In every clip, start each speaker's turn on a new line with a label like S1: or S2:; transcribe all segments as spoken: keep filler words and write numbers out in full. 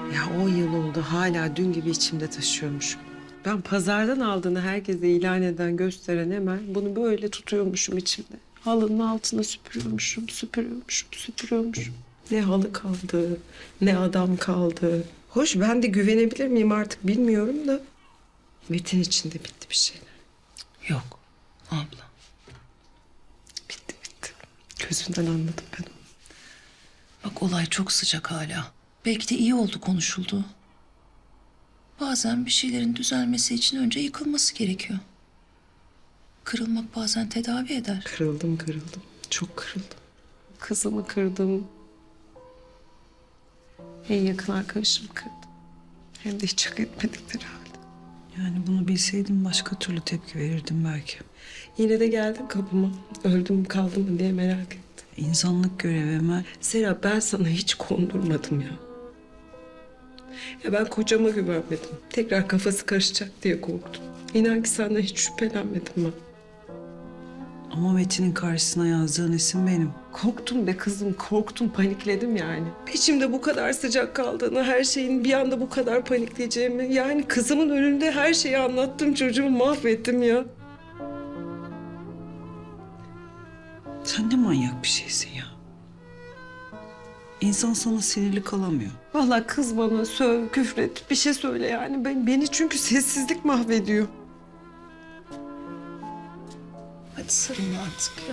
S1: Ya on yıl oldu hala dün gibi içimde taşıyormuşum. Ben pazardan aldığını herkese ilan eden, gösteren hemen bunu böyle tutuyormuşum içimde. Halının altına süpürüyormuşum, süpürüyormuşum, süpürüyormuşum. Ne halı kaldı, ne adam kaldı. Hoş ben de güvenebilir miyim artık bilmiyorum da. Metin için de bitti bir şeyler.
S2: Yok abla.
S1: Bitti bitti. Gözünden anladım ben onu.
S2: Bak olay çok sıcak hala. Belki de iyi oldu konuşuldu. Bazen bir şeylerin düzelmesi için önce yıkılması gerekiyor. Kırılmak bazen tedavi eder.
S1: Kırıldım kırıldım. Çok kırıldım. Kızımı kırdım. En yakın arkadaşımı kırdım. Hem de hiç hak etmedikleri halde.
S3: Yani bunu bilseydim başka türlü tepki verirdim belki.
S1: Yine de geldim kapıma. Öldüm mü kaldım mı diye merak ettim.
S3: İnsanlık görevi Emel.
S1: Serap ben sana hiç kondurmadım ya. Ya ben kocama güvenmedim. Tekrar kafası karışacak diye korktum. İnan ki senden hiç şüphelenmedim ben.
S3: Ama Metin'in karşısına yazdığın isim benim.
S1: Korktum be kızım, korktum, panikledim yani. İçimde bu kadar sıcak kaldığını, her şeyin bir anda bu kadar panikleyeceğimi... Yani kızımın önünde her şeyi anlattım, çocuğumu mahvettim ya.
S3: Sen ne manyak bir şeysin ya. İnsan sana sinirli kalamıyor.
S1: Vallahi kız bana söv, küfret, bir şey söyle yani. Ben, beni çünkü sessizlik mahvediyor.
S2: Hadi sarılın artık ya.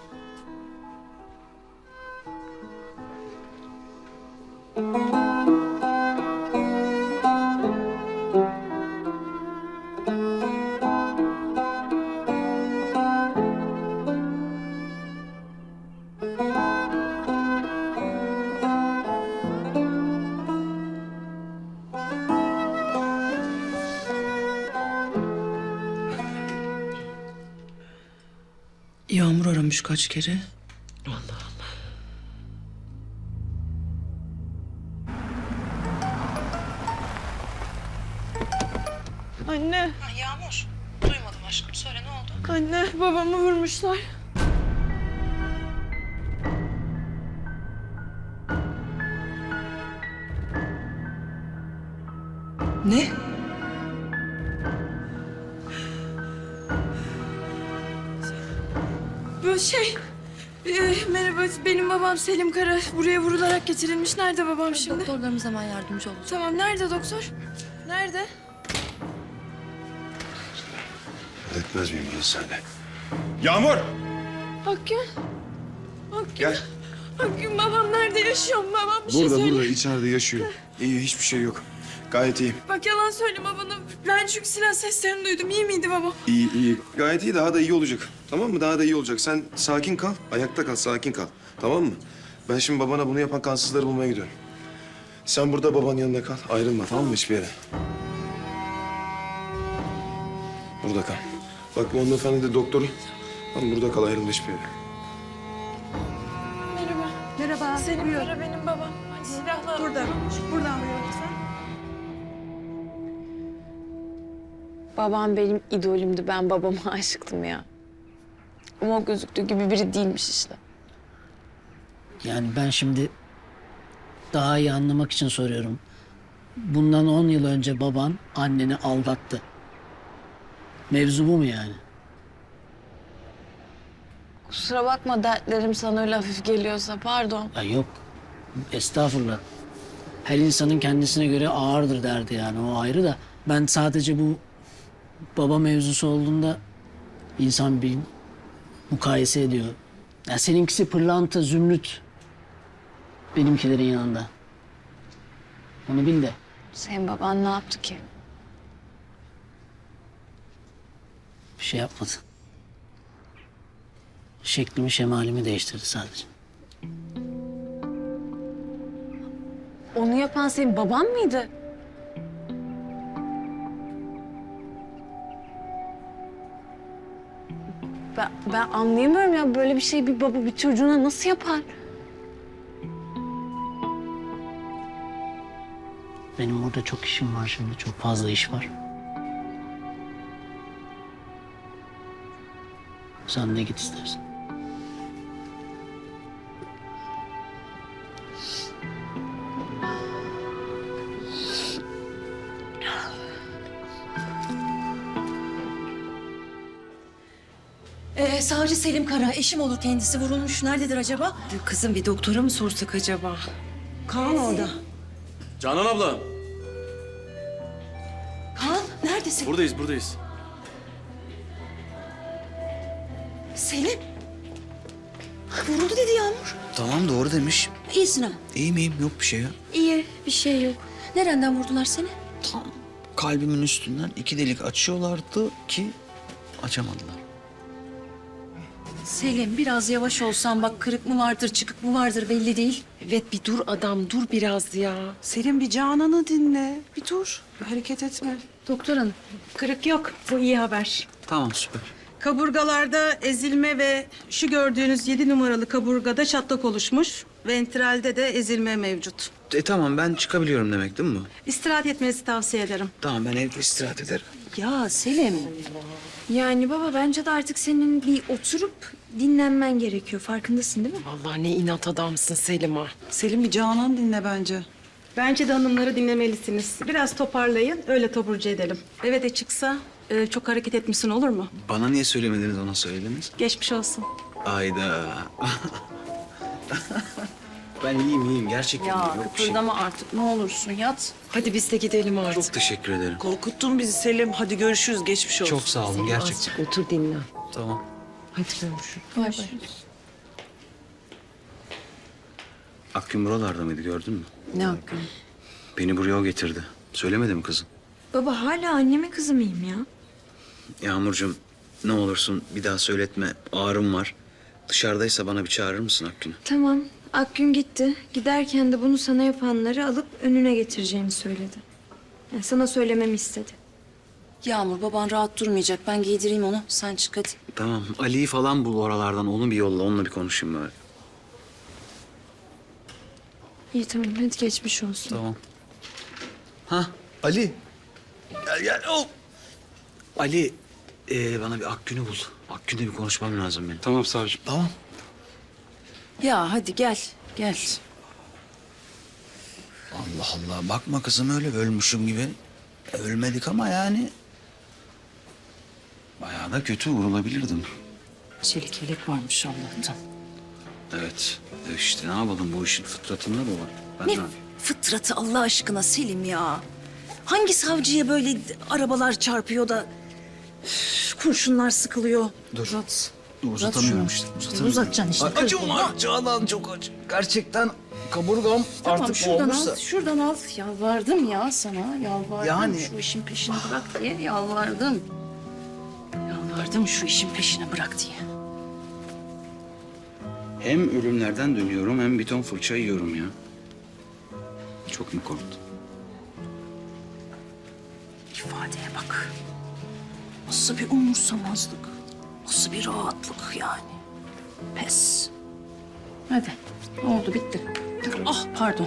S2: Yağmur aramış kaç kere.
S1: Allah Allah. Anne,
S2: Ha, Yağmur. Duymadım aşkım. Söyle ne oldu?
S1: anne babamı vurmuşlar.
S2: Ne?
S4: Bu şey... e, merhaba, benim babam Selim Kara. Buraya vurularak getirilmiş. Nerede babam şimdi?
S5: Doktorlarımız hemen yardımcı olacak.
S4: Tamam, nerede doktor? Nerede?
S6: Etmez miyim bunu senle? Yağmur!
S4: Akgün. Akgün.
S6: Gel.
S4: Akgün, babam nerede yaşıyor mu? Babam bir şey
S6: Burada
S4: söyle.
S6: burada içeride yaşıyor. İyi hiçbir şey yok. Gayet iyi.
S4: Bak yalan söyleme bana. Ben çünkü silah seslerini duydum. İyi miydi babam?
S6: İyi iyi. Gayet iyi, daha da iyi olacak. Tamam mı? Daha da iyi olacak. Sen sakin kal. Ayakta kal, sakin kal. Tamam mı? Ben şimdi babana bunu yapan kansızları bulmaya gidiyorum. Sen burada babanın yanında kal. Ayrılma tamam mı hiçbir yere? Burada kal. Bak bu hanımefendi de doktoru. Tamam burada kal, ayrılma hiçbir yere.
S4: Merhaba.
S5: Merhaba.
S4: Selim Kara benim babam. Hadi silahla. Burada. Buradan buyurun lütfen.
S5: Babam benim idolümdü. Ben babama aşıktım ya. Ama o gözüktüğü gibi biri değilmiş işte.
S7: Yani ben şimdi daha iyi anlamak için soruyorum. Bundan on yıl önce baban anneni aldattı. Mevzu bu mu yani?
S5: Kusura bakma dertlerim sana öyle hafif geliyorsa pardon.
S7: Ya yok. Estağfurullah. Her insanın kendisine göre ağırdır derdi yani o ayrı da. Ben sadece bu baba mevzusu olduğunda insan bir mukayese ediyor. Ya seninkisi pırlanta, zümrüt. Benimkilerin yanında. Onu bil de.
S5: Senin baban ne yaptı ki?
S7: Bir şey yapmadı. Şeklimi, şemalimi değiştirdi sadece.
S5: Onu yapan senin baban mıydı? Ben, ben anlayamıyorum ya böyle bir şey bir baba bir çocuğuna nasıl yapar?
S7: Benim burada çok işim var şimdi. Çok fazla iş var. Sen de git istersen.
S2: savcı Selim Kara, eşim olur kendisi. Vurulmuş. Nerededir acaba?
S1: Kızım bir doktora mı sorsak acaba? Kaan orada.
S8: Canan abla.
S2: Kaan, neredesin?
S8: Buradayız, buradayız.
S2: Selim. Vuruldu dedi Yağmur.
S9: Tamam doğru demiş.
S2: İyisin ha.
S9: İyiyim iyiyim yok bir şey ya.
S2: İyi, bir şey yok. Nereden vurdular seni?
S9: Tam kalbimin üstünden iki delik açıyorlardı ki açamadılar.
S2: Selim, biraz yavaş olsan bak, kırık mı vardır, çıkık mı vardır belli değil.
S1: Evet bir dur adam dur biraz ya.
S3: Selim bir Canan'ı dinle. Bir dur. Bir hareket etme.
S2: Doktor hanım, kırık yok. Bu iyi haber.
S9: Tamam süper.
S10: Kaburgalarda ezilme ve şu gördüğünüz yedi numaralı kaburgada çatlak oluşmuş. Ventralde de ezilme mevcut.
S9: E tamam ben çıkabiliyorum demek değil mi bu?
S10: İstirahat etmenizi tavsiye ederim.
S9: Tamam ben evde istirahat ederim.
S2: Ya Selim. Yani baba bence de artık senin bir oturup dinlenmen gerekiyor. Farkındasın değil mi?
S1: Vallahi ne inat adamsın Selim ha.
S3: Selim bir Canan dinle bence.
S10: Bence de hanımları dinlemelisiniz. Biraz toparlayın, öyle taburcu edelim. Eve de çıksa e, çok hareket etmişsin olur mu?
S9: Bana niye söylemediniz ona söylediniz?
S10: Geçmiş olsun.
S9: Ayda. Ben iyiyim iyiyim gerçekten
S2: Ya
S9: iyiyim. Yok bir şey.
S2: kıpırdama artık ne olursun yat.
S1: Hadi biz de gidelim artık.
S9: Çok teşekkür ederim.
S3: Korkuttun bizi Selim. Hadi görüşürüz. Geçmiş olsun.
S9: Çok sağ olun gerçekten.
S1: Azıcık otur dinlen.
S9: Tamam.
S1: Hadi görüşürüz.
S2: Bay bay.
S9: Akgün buralarda mıydı gördün mü?
S1: Ne hakkın?
S9: Beni buraya o getirdi. Söylemedi mi kızım?
S4: Baba hala annemin kızı mıyım ya?
S9: Yağmurcuğum ne olursun bir daha söyletme. Ağrım var. Dışarıdaysa bana bir çağırır mısın Akgün'ü?
S4: Tamam. Akgün gitti. Giderken de bunu sana yapanları alıp önüne getireceğini söyledi. Yani sana söylememi istedi.
S2: Yağmur baban rahat durmayacak. Ben giydireyim onu. Sen çık hadi.
S9: Tamam. Ali'yi falan bul oralardan. Onu bir yolla. Onunla bir konuşayım böyle.
S4: İyi tamam hadi geçmiş olsun.
S9: Tamam. Ha Ali. Gel gel. Oh. Ali ee, bana bir Akgün'ü bul. Akgün'le bir konuşmam lazım benim.
S8: Tamam savcım.
S9: Tamam.
S2: Ya hadi gel. Gel.
S9: Allah Allah. Bakma kızım öyle ölmüşüm gibi. E, ölmedik ama yani. Bayağı da kötü vurulabilirdim.
S2: Çelik yelek varmış Allah'tan.
S9: Evet. E işte ne yapalım bu işin fıtratında bu var. Ben
S2: Ne
S9: ne
S2: fıtratı Allah aşkına Selim ya. Hangi savcıya böyle arabalar çarpıyor da üf, kurşunlar sıkılıyor?
S9: Dur.
S2: Uzat.
S9: Dur, uzatamıyorum işte. Uzatamıyorum.
S2: Uzatacaksın işte.
S9: Ay, acım var. Canan çok acı. Gerçekten kaburgam
S2: Tamam
S9: artık
S2: şuradan
S9: olmuşsa.
S2: al, şuradan al. Yalvardım ya sana, yalvardım.
S9: Yani-
S2: Şu işin peşini bırak diye yalvardım. Yalvardım şu işin peşini bırak diye.
S9: Hem ölümlerden dönüyorum hem bir ton fırça yiyorum ya. Çok mu korktun?
S2: İfadeye bak. Nasıl bir umursamazlık. Nasıl bir rahatlık yani. Pes. Hadi. Ne oldu bitti. Ah pardon.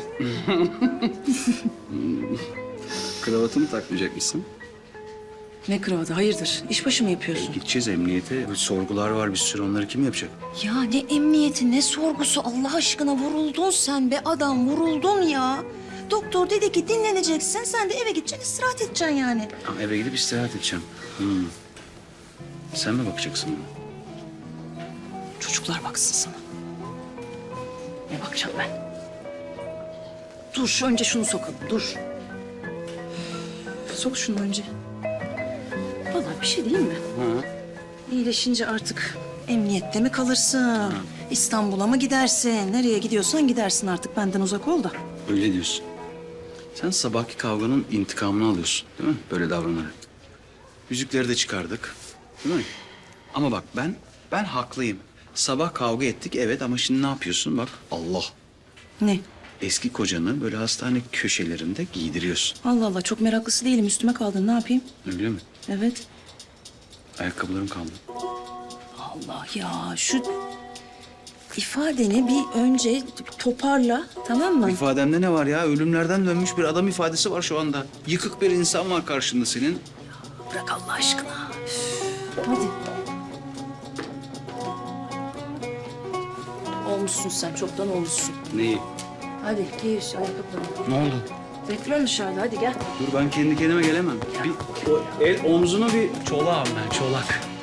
S9: Kravatını takmayacak mısın?
S2: Ne kravatı hayırdır? İşbaşı mı yapıyorsun?
S9: Gideceğiz emniyete. Bir sorgular var bir sürü onları kim yapacak?
S2: Ya ne emniyeti ne sorgusu Allah aşkına vuruldun sen be adam vuruldun ya. Doktor dedi ki dinleneceksin sen de eve gideceksin istirahat edeceksin yani.
S9: Ha, eve gidip istirahat edeceğim. Hmm. Sen mi bakacaksın bana?
S2: Çocuklar baksın sana. Ne bakacağım ben? Dur şu önce şunu sokalım dur. Sok şunu önce. Vallahi bir şey değil mi?
S9: Ha.
S2: İyileşince artık emniyette mi kalırsın? İstanbul'a mı gidersin? Nereye gidiyorsan gidersin artık benden uzak ol da.
S9: Öyle diyorsun. Sen sabahki kavganın intikamını alıyorsun değil mi? Böyle davranarak. Yüzükleri de çıkardık. Değil mi? Ama bak ben, ben haklıyım. Sabah kavga ettik evet ama şimdi ne yapıyorsun? Bak Allah.
S2: Ne?
S9: Eski kocanı böyle hastane köşelerinde giydiriyorsun.
S2: Allah Allah çok meraklısı değilim üstüme kaldın ne yapayım?
S9: Öyle mi?
S2: Evet.
S9: Ayakkabılarım kaldı.
S2: Allah ya şu ifadeni bir önce toparla tamam mı?
S9: İfademde ne var ya? Ölümlerden dönmüş bir adam ifadesi var şu anda. Yıkık bir insan var karşında senin.
S2: Bırak Allah aşkına. Üf, hadi. Olmuşsun sen çoktan olmuşsun.
S9: Neyi?
S2: Hadi giy şu ayakkabılarını.
S9: Ne oldu?
S2: Bekliyorum dışarıda hadi gel.
S9: Dur ben kendi kendime gelemem. Bir o el omzuna bir çolağım ben çolak.